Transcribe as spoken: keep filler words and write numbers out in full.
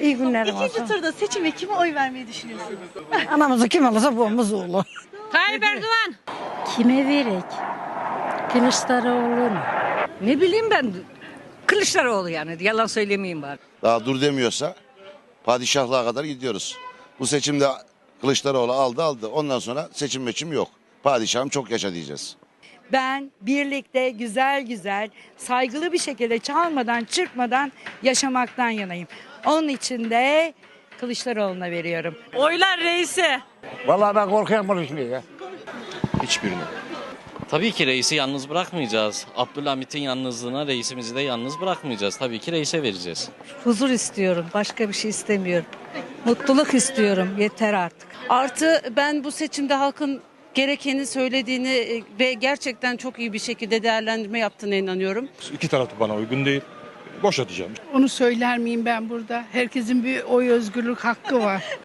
İyi günlerim İkinci olsun. turda seçime kime oy vermeyi düşünüyorsunuz? Anamızı kim alırsa babamız oğlu. Tayyip Erdoğan. Kime verek? Kılıçdaroğlu mu? Ne bileyim ben. Kılıçdaroğlu yani. Yalan söylemeyeyim bari. Daha dur demiyorsa padişahlığa kadar gidiyoruz. Bu seçimde Kılıçdaroğlu aldı aldı. Ondan sonra seçim meçim yok. Padişahım çok yaşa diyeceğiz. Ben birlikte güzel güzel, saygılı bir şekilde çalmadan, çırpmadan yaşamaktan yanayım. Onun için de Kılıçdaroğlu'na veriyorum. Oylar reise. Vallahi ben korkuyorum konuşmaya ya. Hiçbirini. Tabii ki reisi yalnız bırakmayacağız. Abdülhamit'in yalnızlığına reisimizi de yalnız bırakmayacağız. Tabii ki reise vereceğiz. Huzur istiyorum. Başka bir şey istemiyorum. Mutluluk istiyorum. Yeter artık. Artı ben bu seçimde halkın gerekeni söylediğini ve gerçekten çok iyi bir şekilde değerlendirme yaptığına inanıyorum. İki taraf da bana uygun değil. Boş atacağım. Onu söyler miyim ben burada? Herkesin bir oy özgürlük hakkı var.